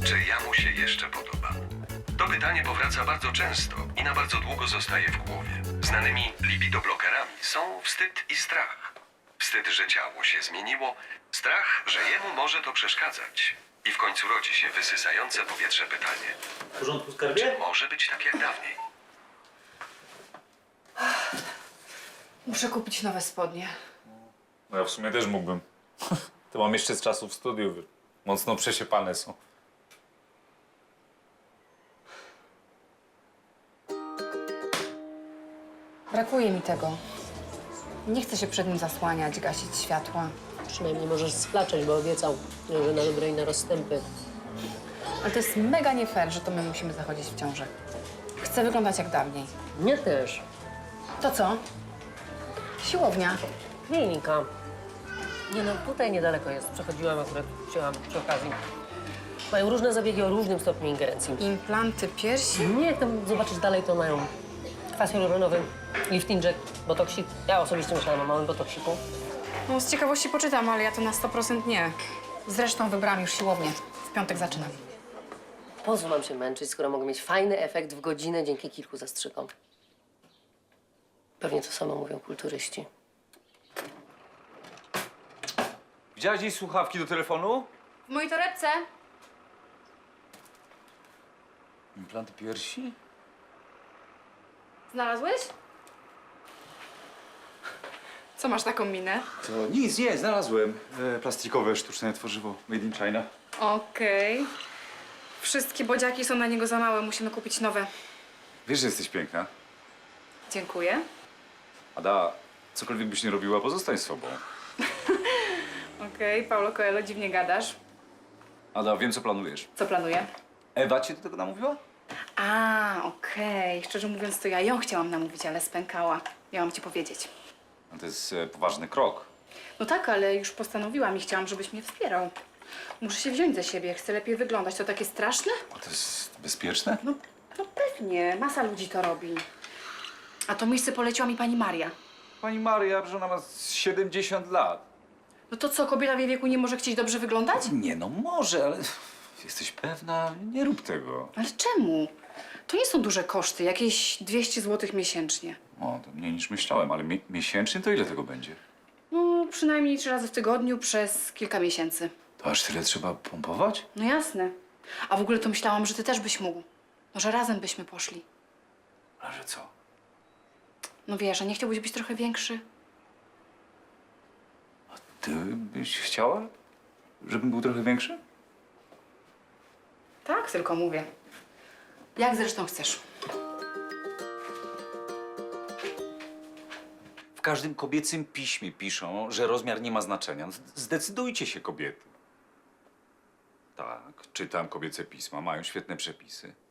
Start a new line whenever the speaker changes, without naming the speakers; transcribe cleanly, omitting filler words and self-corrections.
czy ja mu się jeszcze podobam? To pytanie powraca bardzo często i na bardzo długo zostaje w głowie. Znanymi libidoblokerami są wstyd i strach. Wstyd, że ciało się zmieniło, strach, że jemu może to przeszkadzać. I w końcu rodzi się wysysające powietrze pytanie.
W porządku, skarbie?
Czy może być tak jak dawniej?
Muszę kupić nowe spodnie.
No ja w sumie też mógłbym. To mam jeszcze z czasów studiów. Mocno przesiepane są.
Brakuje mi tego. Nie chcę się przed nim zasłaniać, gasić światła.
Przynajmniej możesz splaczeć, bo obiecał, że na dobre i na rozstępy.
Ale to jest mega nie fair, że to my musimy zachodzić w ciąży. Chcę wyglądać jak dawniej.
Mnie też.
To co? Siłownia.
Klinika. Nie no, tutaj niedaleko jest. Przechodziłam akurat, wzięłam przy okazji. Mają różne zabiegi o różnym stopniu ingerencji.
Implanty piersi?
Nie, jak tam zobaczysz dalej, to mają kwas hialuronowy, lifting jack, botoksik. Ja osobiście myślałam o małym botoksiku.
No, z ciekawości poczytam, ale ja to na 100% nie. Zresztą wybrałam już siłownię. W piątek zaczynam.
Po co mam się męczyć, skoro mogę mieć fajny efekt w godzinę dzięki kilku zastrzykom? Pewnie to samo mówią kulturyści.
Widziałaś dziś słuchawki do telefonu?
W mojej torebce?
Implanty piersi?
Znalazłeś? Co masz taką minę?
To nic, nie, znalazłem. Plastikowe, sztuczne tworzywo made in China.
Okej. Wszystkie bodziaki są na niego za małe, musimy kupić nowe.
Wiesz, że jesteś piękna.
Dziękuję.
Ada, cokolwiek byś nie robiła, pozostań sobą.
Okej, Paulo Coelho, dziwnie gadasz.
Ada, wiem, co planujesz.
Co planuję?
Ewa cię do tego namówiła?
Okej. Szczerze mówiąc, to ja ją chciałam namówić, ale spękała. Miałam ci powiedzieć.
No to jest poważny krok.
No tak, ale już postanowiłam i chciałam, żebyś mnie wspierał. Muszę się wziąć za siebie, chcę lepiej wyglądać. To takie straszne?
A to jest bezpieczne?
No pewnie, masa ludzi to robi. A to miejsce poleciła mi pani Maria.
Pani Maria, że ona ma 70 lat.
No to co, kobieta w jej wieku nie może chcieć dobrze wyglądać?
Nie, no może, ale jesteś pewna? Nie rób tego.
Ale czemu? To nie są duże koszty, jakieś 200 zł miesięcznie.
O, to mniej niż myślałem, ale miesięcznie to ile tego będzie?
No, przynajmniej 3 razy w tygodniu przez kilka miesięcy.
To aż tyle trzeba pompować?
No jasne. A w ogóle to myślałam, że ty też byś mógł. Może razem byśmy poszli.
Ale że co?
No wiesz, a nie chciałbyś być trochę większy?
Ty byś chciała, żebym był trochę większy?
Tak, tylko mówię. Jak zresztą chcesz.
W każdym kobiecym piśmie piszą, że rozmiar nie ma znaczenia. Zdecydujcie się, kobiety. Tak, czytam kobiece pisma, mają świetne przepisy.